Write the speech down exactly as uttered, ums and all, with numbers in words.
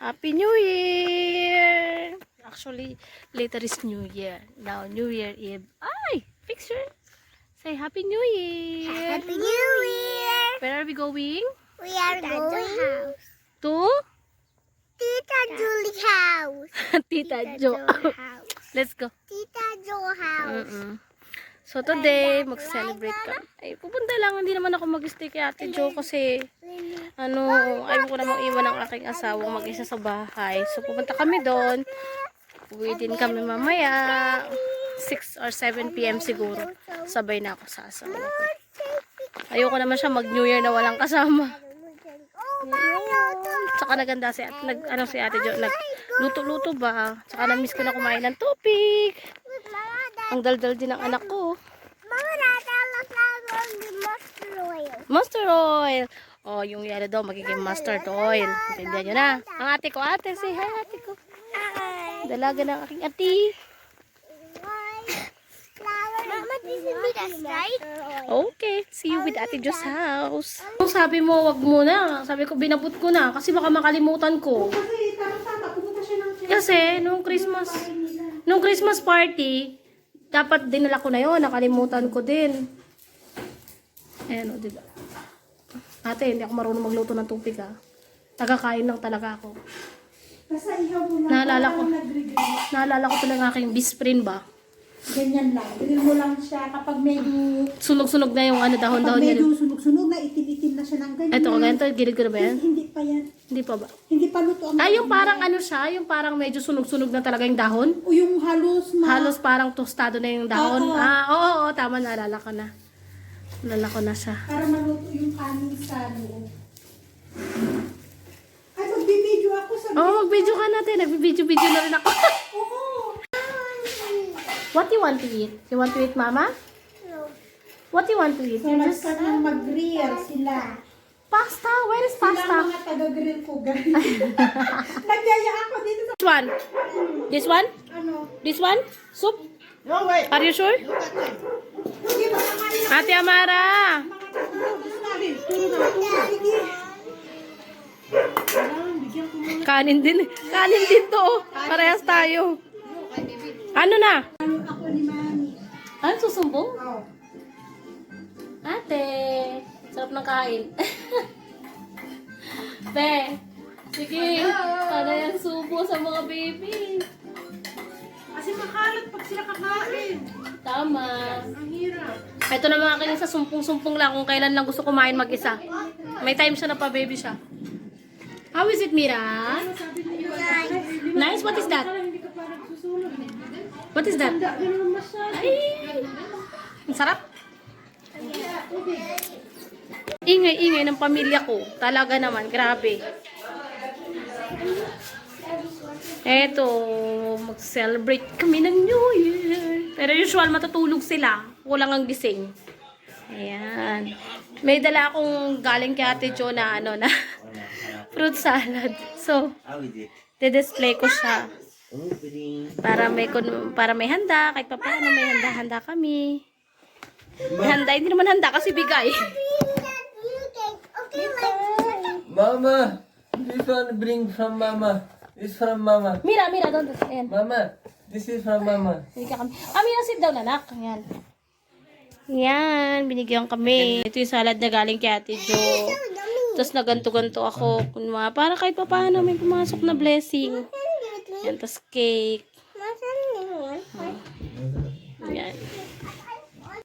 Happy New Year! Actually, later is New Year. Now, New Year Eve. Ay! Picture! Say Happy New Year! Happy New Year! Where are we going? We are going house. To? Tita Julie's house. Tita Jo. house. Let's go. Tita Jo house. Mm-mm. So today, mag-celebrate ka. Ay, pupunta lang. Hindi naman ako mag-stay kay Ate Jo kasi ano, ayaw ko namang iwan ang aking asawang mag-isa sa bahay. So pupunta kami doon. Uwi din kami mamaya. six or seven p m siguro. Sabay na ako sa asawa ko. Ayoko naman siya mag-New Year na walang kasama. Tsaka naganda si, nag, ano, si Ate Jo. Nagluto-luto ba? Tsaka na-miss ko na kumain ng tupig. Ang daldal din ng anak ko. Mama, natalas na ng mustard oil. Mustard oil. Oh, yung yellow daw magiging mustard oil. Intindihan nyo na. Ang ate ko, ate, say hi ate ko. Dalaga ng aking ate. Mama, this is Mita's right? Okay, see you with Ate Jo's house. Kung sabi mo, wag muna. Sabi ko, binabot ko na. Kasi baka makalimutan ko. Kasi, nung Christmas, nung Christmas party, dapat dinala ko na yun. Nakalimutan ko din. Ayan o, diba? Ate, hindi ako marunong magluto ng tupig ha. Tagakain lang talaga ako. Naalala ko, naalala ko pala ng aking best friend ba? Ganyan lang. Bilhin mo lang siya kapag medyo... Sunog-sunog na yung ano, dahon-dahon Kapag niya. medyo sunog-sunog na, itim-itim na siya ng ganyan. Ito, ganito, gilid ko na ba yan? Hindi pa yan. Hindi pa ba? Hindi pa luto ang... Ay, yung parang ano siya, yung parang medyo sunog-sunog na talaga yung dahon. O yung halos na... Halos parang tostado na yung dahon. Oo. Ah, oo, oo, tama, naalala ko na. Naalala ko na siya. Para maluto yung kanin sa loob. Ay, magbibideo ako sa... Oo, oh, mag-video ka natin. Nag-video-video na rin ako. Oo. What you want to eat? You want to eat, Mama? No. What you want to eat? So, You just... nagstart ng mag-grill sila. Pasta? Where is Sila pasta? ang mga taga-grill ko, guys. Nagyaya ako dito sa... This one? This one? Ano? This one? Soup? No, wait. Are you sure? Hindi ba naman yung Ate Amara! mga taga-grill namin? Puro na ito. Sige. Alam, bigyan ko muna. Kanin din. Kanin din to. Parehas tayo. Ano na? Ano ako ni Mami? Ano susumbong? Oh. Ate, sarap ng kain. Be, sige, sana yan subo sa mga baby. Kasi makalat pag sila kakain. Tama. Ang hirap. Ito na mga akin sa sumpong-sumpong lang kung kailan lang gusto kumain mag-isa. May time siya na pa baby siya. How is it, Mira? Nice? What is that? Hindi ka pa nagsusulog. What is that? Ganun masyado. Ay, ang sarap. Ingay-ingay ng pamilya ko. Talaga naman, grabe. Eto, mag-celebrate kami ng New Year. Pero usual, matutulog sila. Kulang ang gising. Ayan. May dala akong galing kay Ate Jo na ano na fruit salad. So, de-display ko siya. Para may kun- para may handa, kahit pa paano may handa-handa kami. May handa, hindi naman handa kasi bigay. Okay, like... Mama, this one bring from Mama. This from Mama. Mira, Mira, doon. Ayan. Mama, this is from Mama. Hindi ka kami. Ah, Mira, sit down, anak. Ayan. Yan, binigyan kami. Ito yung salad na galing kay Ate Jo. Tapos naganto-ganto ako. Kunwa, para kahit pa paano may pumasok na blessing. Yan, tapos cake. Masan yun?